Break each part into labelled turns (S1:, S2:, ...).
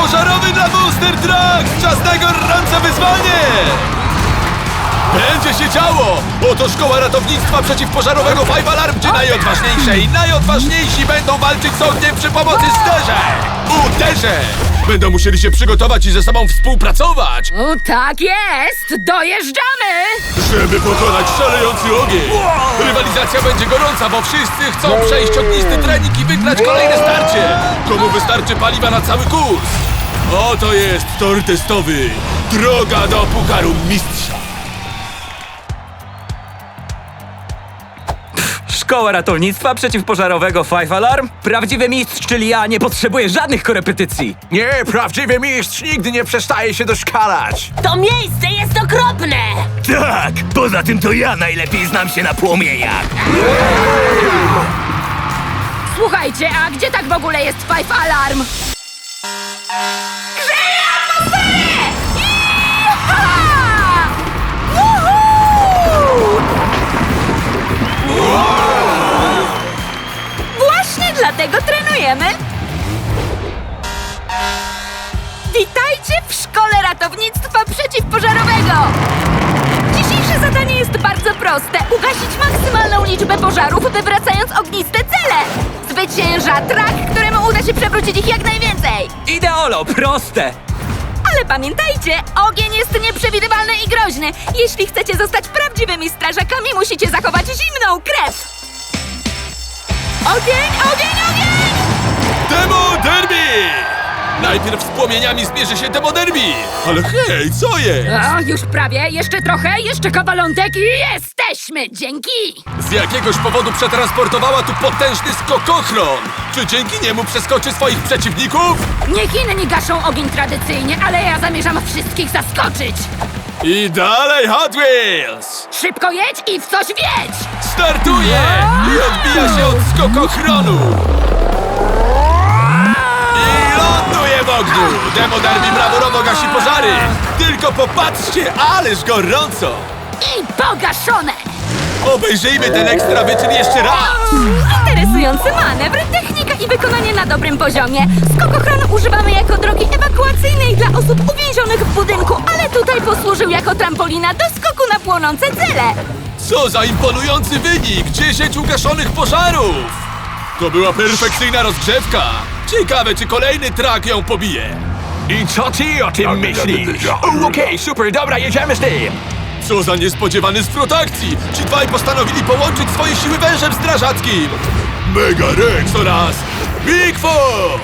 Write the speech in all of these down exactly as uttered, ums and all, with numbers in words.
S1: pożarowy dla Monster Trucks! Czas na gorące wyzwanie! Będzie się działo! Oto szkoła ratownictwa przeciwpożarowego Five Alarm, gdzie najodważniejsze i najodważniejsi będą walczyć z ogniem przy pomocy sterzeń! Uderzeń! Będą musieli się przygotować i ze sobą współpracować,
S2: O, tak jest! Dojeżdżamy!
S1: żeby pokonać szalejący ogień! Rywalizacja będzie gorąca, bo wszyscy chcą przejść ognisty trening i wygrać kolejne starcie! Komu wystarczy paliwa na cały kurs? Oto jest tor testowy! Droga do Pucharu Mistrza!
S3: Szkoła ratownictwa przeciwpożarowego Five Alarm? Prawdziwy mistrz, czyli ja, nie potrzebuje żadnych korepetycji.
S4: Nie, prawdziwy mistrz nigdy nie przestaje się doszkalać.
S2: To miejsce jest okropne!
S3: Tak, poza tym to ja najlepiej znam się na płomieniach.
S2: Słuchajcie, a gdzie tak w ogóle jest Five Alarm? Grzeje atmosferę! Iha! Woohoo! Właśnie dlatego trenujemy. Witajcie w Szkole Ratownictwa Przeciwpożarowego! Dzisiejsze zadanie jest bardzo proste. Ugasić maksymalną liczbę pożarów, wywracając ogniste cele. Zwycięża trak, któremu uda się przewrócić ich jak najwięcej.
S3: Ideolo, proste.
S2: Ale pamiętajcie, ogień jest nieprzewidywalny i groźny. Jeśli chcecie zostać prawdziwymi strażakami, musicie zachować zimną krew. Ogień, ogień, ogień!
S1: Demo Derby! Najpierw z płomieniami zmierzy się Demo Derby! Ale hej, co jest?
S2: O, już prawie, jeszcze trochę, jeszcze kawalątek i jesteśmy! Dzięki!
S1: Z jakiegoś powodu przetransportowała tu potężny skokochron! Czy dzięki niemu przeskoczy swoich przeciwników?
S2: Niech inni gaszą ogień tradycyjnie, ale ja zamierzam wszystkich zaskoczyć!
S1: I dalej Hot Wheels!
S2: Szybko jedź i w coś wiedź!
S1: Startuje! I odbija się od skokochronu! I ląduje w ogniu! Demo Derby brawurowo gasi pożary! Tylko popatrzcie, ależ gorąco!
S2: I pogaszone!
S1: Obejrzyjmy ten ekstra wyczyn jeszcze raz!
S2: Interesujący manewr, technika i wykonanie na dobrym poziomie. Skokochron używamy jako drogi ewakuacyjnej dla osób uwięzionych w budynku, ale tutaj posłużył jako trampolina do skoku na płonące cele.
S1: Co za imponujący wynik! dziesięć ugaszonych pożarów! To była perfekcyjna rozgrzewka! Ciekawe, czy kolejny trak ją pobije!
S4: I co ty o tym myślisz? O, Okej, super, dobra, jedziemy z tym.
S1: Co za niespodziewany zwrot akcji! Ci dwaj postanowili połączyć swoje siły wężem strażackim! Mega Rex oraz Bigfoot!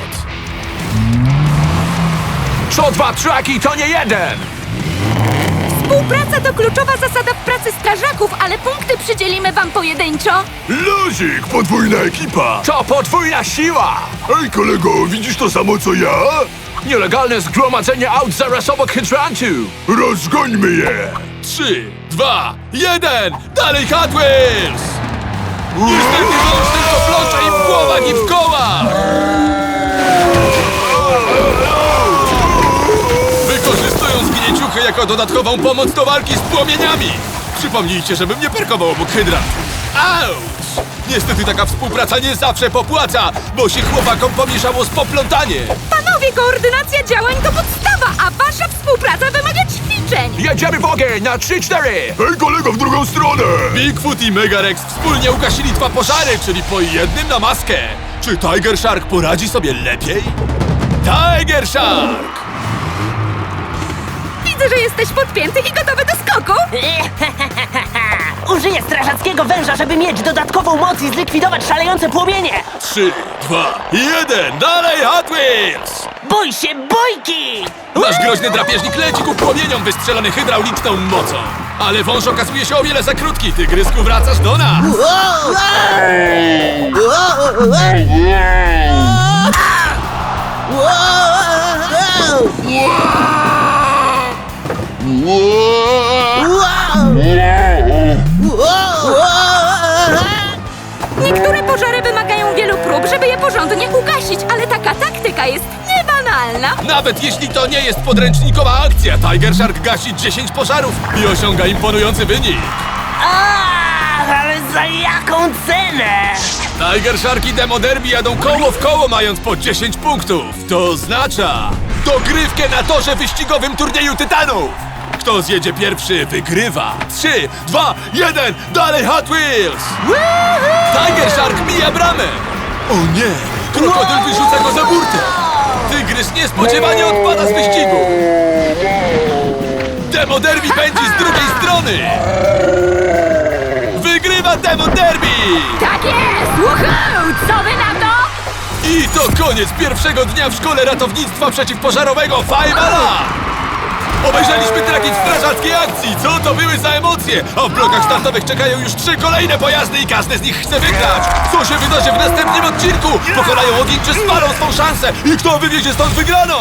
S4: Co dwa traki, to nie jeden.
S2: Współpraca to kluczowa zasada w pracy strażaków, ale punkty przydzielimy wam pojedynczo.
S1: Luzik, podwójna ekipa!
S4: To podwójna siła.
S1: Ej kolego, widzisz to samo co ja?
S4: Nielegalne zgromadzenie aut zaraz obok hydrantu.
S1: Rozgońmy je! Trzy, dwa, jeden! Dalej Hot Wheels! Niestety wąż tylko plącze im w głowach i w kołach! Wykorzystują zgnieciuchy jako dodatkową pomoc do walki z płomieniami! Przypomnijcie, żebym nie parkował obok hydrant! Auć! Niestety taka współpraca nie zawsze popłaca, bo się chłopakom pomieszało z poplątanie!
S2: Panowie, koordynacja działań to podstawa, a wasza współpraca wymaga ćwiczeń.
S4: Jedziemy w ogień na trzy cztery.
S1: Hej kolego, w drugą stronę! Bigfoot i Mega Rex wspólnie ugasili dwa pożary, czyli po jednym na maskę. Czy Tiger Shark poradzi sobie lepiej? Tiger Shark!
S2: Widzę, że jesteś podpięty i gotowy do skoku.
S5: Użyję strażackiego węża, żeby mieć dodatkową moc i zlikwidować szalejące płomienie!
S1: Trzy, dwa, jeden, dalej Hot Wheels!
S5: Bój się bójki!
S1: Nasz groźny drapieżnik leci ku płomieniom wystrzelony hydrauliczną mocą. Ale wąż okazuje się o wiele za krótki. Tygrysku, wracasz do nas!
S2: Niektóre pożary wymagają wielu prób, żeby je porządnie ugasić, ale taka taktyka jest niebanalna.
S1: Nawet jeśli to nie jest podręcznikowa akcja, Tiger Shark gasi dziesięć pożarów i osiąga imponujący wynik.
S5: A, ale Za jaką cenę?
S1: Tiger Shark i Demo Derby jadą koło w koło, mając po dziesięć punktów. To oznacza dogrywkę na torze wyścigowym turnieju Tytanów. Kto zjedzie pierwszy, wygrywa. Trzy, dwa, jeden, dalej Hot Wheels! Tiger Shark mija bramę. O nie, krokodyl wyrzuca go za burtę. Tygrys niespodziewanie odpada z wyścigu. Demo Derby pędzi z drugiej strony. Wygrywa Demo Derby!
S2: Tak jest! Woohoo! Co wy na to?
S1: I to koniec pierwszego dnia w szkole ratownictwa przeciwpożarowego Five Alarm! Obejrzeliśmy tragiczną strażackiej akcji, co to były za emocje! A w blokach startowych czekają już trzy kolejne pojazdy i każdy z nich chce wygrać! Co się wydarzy w następnym odcinku? Pokonają ogień czy spalą swą szansę? I kto wywiezie stąd wygraną?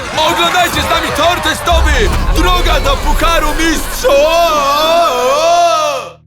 S1: Oglądajcie z nami tor testowy! Droga do Pucharu Mistrzów!